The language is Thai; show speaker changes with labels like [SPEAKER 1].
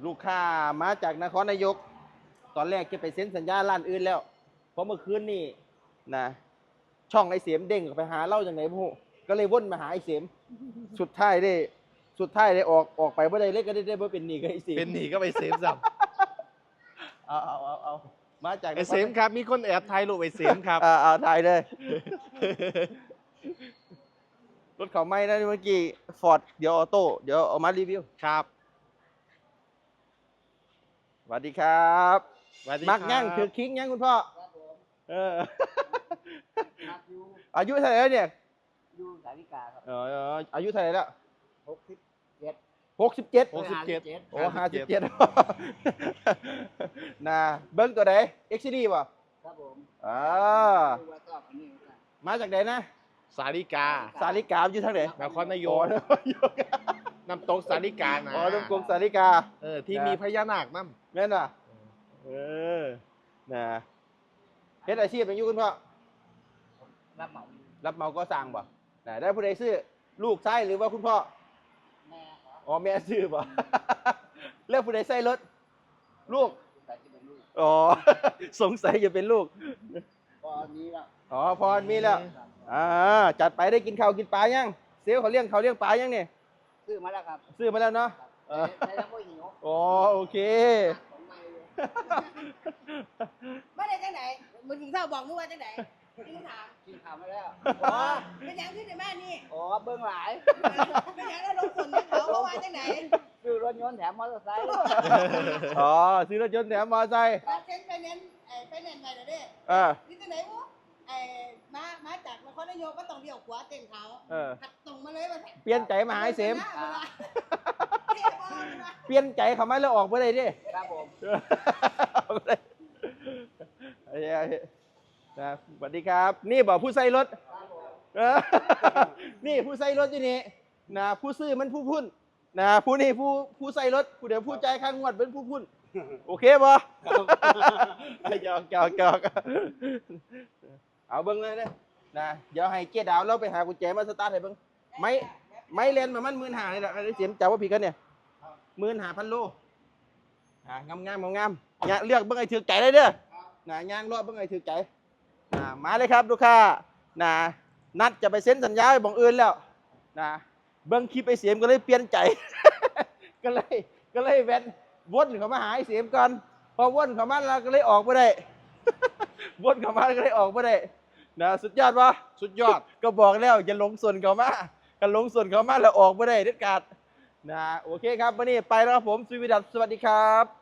[SPEAKER 1] ลูกค้ามาจากนครนายกตอนแรกจะไปเซ็นสัญญาร้านอื่นแล้วเพราะเมื่อคืนนี่นะช่องไอเสียมเด้งไปหาเล่าจากไหนพวกก็เลยวนมาหาไอเสียมสุดท้ายได้ออกไปเมื่อใดเล็กก็ได้เมื่อเป็นหนี้กับไอเสียม
[SPEAKER 2] เป็นหนีก็ไปเซฟสับ
[SPEAKER 1] เอามาจาก
[SPEAKER 2] ไอเซฟครับมีคนแอบถ่ายรูปไอเซฟครับ
[SPEAKER 1] เอาถ่ายเลย รถเขาไม่นะเมื่อกี้ฟอร์ดเดี๋ยวออโต้เดี๋ยวเอามารีวิว
[SPEAKER 2] ครับ
[SPEAKER 1] สวัสดีครับ
[SPEAKER 2] สวัสดี
[SPEAKER 1] มักยั่ง
[SPEAKER 2] รับ
[SPEAKER 1] คือคิงยั่งคุณพ่อ
[SPEAKER 3] ครับผม
[SPEAKER 1] เออ
[SPEAKER 3] นักอยู่
[SPEAKER 1] อายุเท่าไหร่แล้วเนี่ย
[SPEAKER 3] อยู่สาริกาครับ
[SPEAKER 1] อายุเท่าไหร่แล้ว
[SPEAKER 3] 67
[SPEAKER 1] 67
[SPEAKER 2] 67
[SPEAKER 1] โอ้57 นะเบิ้งตัวไหน XCD ป่ะ
[SPEAKER 3] ครับผม ดูว่าชอบอันนี้เหมือนกัน
[SPEAKER 1] มาจากไหนนะ
[SPEAKER 2] สาริกา
[SPEAKER 1] สาริกาอยู่ทางไหน
[SPEAKER 2] นครนาย
[SPEAKER 1] โอ้
[SPEAKER 2] ก
[SPEAKER 1] นครนายก
[SPEAKER 2] น้ำตกสาริกานะ
[SPEAKER 1] อ๋อตรงกรมสาริกา
[SPEAKER 2] ที่
[SPEAKER 1] นะ
[SPEAKER 2] มีพญานาคนั่น
[SPEAKER 1] แม่นอ่ะเออนะเฮ็ดอาชีพเป็นอยุคุณพ่อ
[SPEAKER 3] รับเหมา
[SPEAKER 1] รับเหมาก็สั่งป่ะนะได้ผู้ใดซื้อลูกไส้หรือว่าคุณพ่อ
[SPEAKER 3] แม่ครับ
[SPEAKER 1] อ๋อแม่ซื้อป่ะ เลือกผู้ใดใส่รถลูก
[SPEAKER 3] แต่ที่เป็นลูก
[SPEAKER 1] อ๋อ สงสัยจะเป็นลูก
[SPEAKER 3] ตอนนี้แล้ว
[SPEAKER 1] อ๋อพอมีแล้ว
[SPEAKER 3] ครับ
[SPEAKER 1] จัดไปได้กินข้าวกินปลายังเซลลเขาเลี้ยงปลายังเนี่ย
[SPEAKER 3] ซื้อมาแล้วครับ
[SPEAKER 1] ซื้อมาแล้วเนาะ
[SPEAKER 3] ครับแต่ยังไม่หิว
[SPEAKER 1] อ๋อโอเค
[SPEAKER 3] ของใหม่เลย
[SPEAKER 4] ไม่ได้จังไหนมึงถึงเศร้าบอกมึงว่าจังไหนมึงถาม
[SPEAKER 3] กินข้าวมาแล้ว
[SPEAKER 4] อ๋อเป็นอย่างที่ในบ้านนี่
[SPEAKER 3] อ๋อเบื้องหลาย
[SPEAKER 4] เป็นอย่างแล้วลงทุนให้เขาเพราะว่าจังไหน
[SPEAKER 3] ซื้อรถยนต์แถมมอเตอร์ไซค์
[SPEAKER 1] อ๋อซื้อรถยนต์แถมมอเตอร์ไซค์
[SPEAKER 4] ถ้าเซ็นไปเน้นไปเน้นไปเดี๋ยวนี้
[SPEAKER 1] อ่า
[SPEAKER 4] นี่จังไหนวะมาจากนครนายกก็ต้องเลี้ยวขวาเต็มเขา
[SPEAKER 1] เออ
[SPEAKER 4] ขัดตรงมาเลยมา
[SPEAKER 1] เปลี่ยนใจมาหาไอ้เสม
[SPEAKER 4] เท่บ่มา
[SPEAKER 1] เปลี่ยนใจเขามาแล้วออกไปเลยดิ
[SPEAKER 3] ครับผม
[SPEAKER 1] ออกไปเลยไอ้นะสวัสดีครับ นี่บอกผู้ใส่รถ
[SPEAKER 3] ครับผม
[SPEAKER 1] เออ นี่ผู้ใส่รถอยู่นี่นะผู้ซื้อมันผู้พุ่นนะผู้นี่ผู้ใส่รถผู้เดี๋ยวผู้ใจายค่างวดเป็นผู้พุ่นโอเคบ่หยอกเอาเบิ้งเลยเด้อนะเดี๋ยวให้เจ๊ดาวเราไปหากุญแจมาสตาร์ทให้เบิ้งไม่เลนมามัน15,000นี่แหละไอ้เสียมจับว่าผิดกันเนี่ย15,000 โลงามเนี่ยเลือกเบิ้งไอ้ถือใจเลยเด้อนะย่างรอบเบิ้งไอ้ถือใจมาเลยครับลูกค้านะนัดจะไปเซ็นสัญญาไปบอกอื่นแล้วนะเบิ้งคลิปไอ้เสียมก็เลยเปลี่ยนใจ ก็เลยแวนวนเขามาหาไอ้เสียมก่อนพอวนเขามาแล้วก็เลยออกไม่ได้ วนเขามาก็เลยออกไม่ได้นะสุดยอดวะ
[SPEAKER 2] สุดยอด
[SPEAKER 1] ก็บอกแล้วอย่าหลงส่วนเขามากันหลงส่วนเขามาแล้วออกไม่ได้เด็ดขาดนะโอเคครับวันนี้ไปแล้วครับผมสุวิดัตสวัสดีครับ